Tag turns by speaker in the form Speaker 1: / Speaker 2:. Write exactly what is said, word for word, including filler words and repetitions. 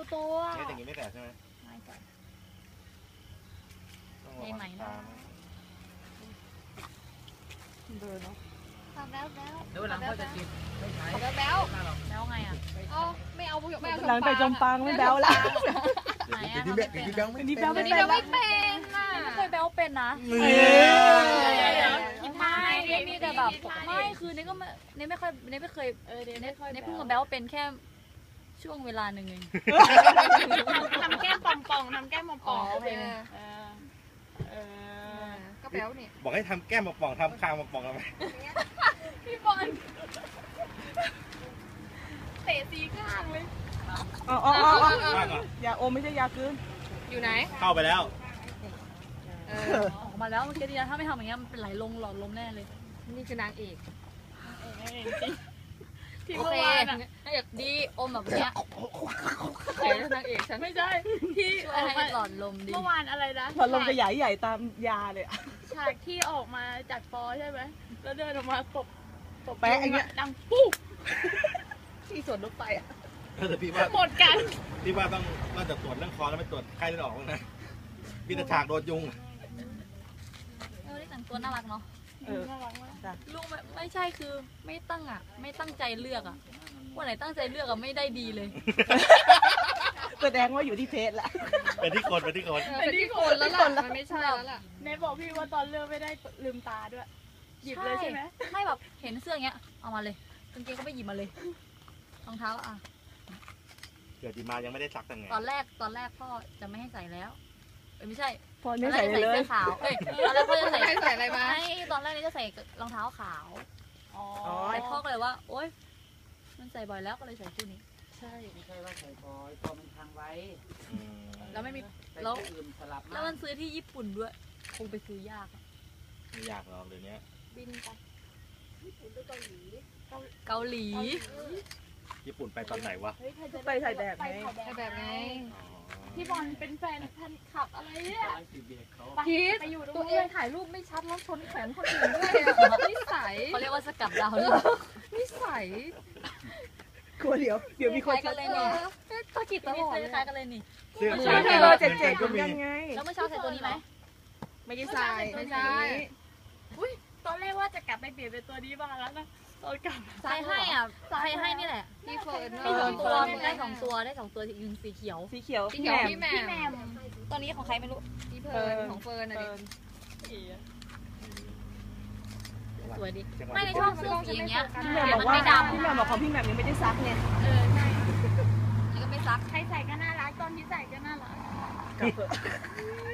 Speaker 1: ตัว
Speaker 2: เนี่ยอย่างนี้ไม่แตกใช่ไหม
Speaker 1: ไม่แตก
Speaker 2: ใช่ไหมนะ
Speaker 3: เบอร์เนาะ
Speaker 1: ทำแล้วแล้ว
Speaker 4: เดี๋ยวหลังก็จะกินไม่ใช้
Speaker 1: แล้วแล้วแล้วไงอ่ะอ๋อไม่เอาไม่เอา
Speaker 3: หลังไปจมปังไม่แบ๊วแล้ว
Speaker 1: ไหนอ่ะ
Speaker 2: เดี๋ยวนี้เดี๋ยวนี้แบ๊วไม่
Speaker 3: นี่แบ๊วไม่
Speaker 1: นี่
Speaker 3: เป็น
Speaker 1: เราไม่เป็นน่ะไม่เคยแบ๊วเป็นนะ
Speaker 2: เฮ้ย
Speaker 1: ไม่เนี่ยมีแต่แบบไม่คือเนี่ยก็ไม่เนี่ยไม่ค่อยเนี่ยไม่เคยเออเนี่ยเนี่ยเพิ่งมาแบ๊วเป็นแค่ช่วงเวลาหนึ่งเองทำแก้มป่องๆทำแก้มป่องๆโอเคก็แบ๊วนี่
Speaker 2: บอกให้ทำแก้มมาป่องทำคางมาป่องทำไม
Speaker 1: พี่บอลเตะสีข้างเลย
Speaker 3: อ๋ออ๋ออ๋อ
Speaker 2: ว่างเหรอย
Speaker 3: าอมไม่ใช่ยาคืน
Speaker 1: อยู่ไหน
Speaker 2: เข้าไปแล้ว
Speaker 1: เออออกมาแล้วเมื่อกี้ดีนะถ้าไม่ทำอย่างเงี้ยมันเป็นไหลลงหลอดลมแน่เลยนี่คือนางเอกที่เมื่อวานนางเอกดีอมแบบเนี้ยใครนางเอกฉันไม่ใช่ที่ช่วยให้หลอดลมดี
Speaker 5: เมื่อวานอะไรนะ
Speaker 3: พอลมจะใหญ่ใหญ่ตามยาเลย
Speaker 5: ฉากที่ออกมาจากปอใช่ไหมแล้วเดินออกมาตบตบ
Speaker 3: แปะอย่างเงี้ย
Speaker 5: ดังปุ๊บ
Speaker 3: ที่สวนรถไฟอ่ะ
Speaker 2: แต่พี่ว่า
Speaker 5: หมดกัน
Speaker 2: พี่ว่าต้องนอกจากตรวจเรื่องคอแล้วไม่ตรวจไข้เลือดออกบ้างนะพี่ตะฉากโดนยุง
Speaker 1: เออได้แต่งตัวน่ารักเนาะ
Speaker 3: เออ
Speaker 5: น่ารักมาก
Speaker 1: ลูกไม่ไม่ใช่คือไม่ตั้งอ่ะ ไม่ตั้งใจเลือกอ่ะวันไหนตั้งใจเลือกอ่ะไม่ได้ดีเลย
Speaker 3: แสดงว่าอยู่ที่เพจแหละ
Speaker 2: เป็นที่คนเป็นที่คน
Speaker 1: เป็นที่คนแล้วล่ะมันไม่ใช่แล้วล่ะ
Speaker 5: เนบอกพี่ว่าตอนเลือกไม่ได้ลืมตาด้วย หยิบเลยใช่ไหม
Speaker 1: ไม่แบบเห็นเสื้ออย่างเงี้ยเอามาเลยกางเกงก็ไปหยิบมาเลยรองเท้าอ่ะ
Speaker 2: เกิดดีมายังไม่ได้ซักแต่ไง
Speaker 1: ตอนแรกตอนแรกพ่อจะไม่ให้ใส่แล้วเอ้ยไม่ใช่
Speaker 3: พอไม่ใส่เลย
Speaker 1: ตอนแรกจะใส่เสื้อขาวเอ้ยตอนแรกพ่อจะใส่ใส่อะไรมาตอนแรกนี่จะใส่รองเท้าขาว
Speaker 5: อ๋อ
Speaker 1: แต่พ่อก็เลยว่าโอ๊ยมันใส่บ่อยแล้วก็เลยใส่คู่นี้
Speaker 4: ใช่ไม่ใช่ว่าใส่บอยพอมันทางไว้
Speaker 2: อืม
Speaker 1: แล้วไม่มี
Speaker 4: ใส่
Speaker 1: แล้ว
Speaker 4: อื่นสลับ
Speaker 1: แล้วมันซื้อที่ญี่ปุ่นด้วยคงไปซื้อยากอะ
Speaker 2: ไม่ยากหรอกเดี๋ยวนี้
Speaker 1: บินไปเกาหลี
Speaker 2: ญี่ปุ่นไปตอนไหนวะ
Speaker 3: ไปถ่ายแบบไง
Speaker 1: แบบไง
Speaker 2: อ๋อ
Speaker 5: พี่บอลเป็นแฟนพันขับอะไรเนี่ย
Speaker 4: ร้อยสี่เบียเขา
Speaker 1: พีท
Speaker 5: ไปอยู่ตรง
Speaker 1: ตัวเอ
Speaker 5: นู้
Speaker 1: ง
Speaker 5: น
Speaker 1: ถ่ายรูปไม่ชัดแล้วชนแขนคนอื่นด้วยอะนิสัยเขาเรียกว่าสกัดดาวเลยนิสัย
Speaker 3: กลัวเดี๋ยวเดี๋ยวมีคน
Speaker 1: คล้ายกันเลยนี่ตะกิดตลอดเลยคล้ายกันเลยนี่
Speaker 2: เสื้อ
Speaker 3: ใช่
Speaker 2: เสื้
Speaker 3: เบอ
Speaker 2: อ
Speaker 3: ร์เจ็ดเจ็ด
Speaker 2: ก็
Speaker 3: เหมือน
Speaker 2: มี
Speaker 3: กันไง
Speaker 1: แล้วเมื่อเช้าใส่ตัวนี้ไหม
Speaker 3: ไม่ได้ใส่
Speaker 1: ไม่ใช่
Speaker 5: ตอนแรกว่าจะกลับไปเปลี่ยนเป็นตัวนี้บ้างแล้วนะตอนกลับ
Speaker 1: ใส่ให้อ่ะใส่ให้นี่แหละพี่เฟิร์นได้สองตัวได้สองตัวได้สองตัวยืนสีเขียว
Speaker 3: สีเขียว
Speaker 1: สีเขียว
Speaker 3: แหม่
Speaker 1: พี่
Speaker 3: ม
Speaker 1: แหม่พี่แหม่มตัวนี้ของใครไม่รู้พี่เฟิร์นของเฟิร์นอะ
Speaker 3: เฟิ
Speaker 1: ดิ
Speaker 3: ร์น
Speaker 1: สวยดิ
Speaker 2: จังหวะ
Speaker 1: ไม่ในชอบซื้อสีอย่างเงี้ย
Speaker 3: พี่แหม่มบอกว่าพี่แหม่มบอกของพี่แหม่มยังไม่ได้ซักไง
Speaker 5: เออใช่
Speaker 1: นี่ก็ไม่ซัก
Speaker 5: ใครใส่ก็น่ารักตอนที่ใส่ก็น่ารัก
Speaker 3: กลับเถอะ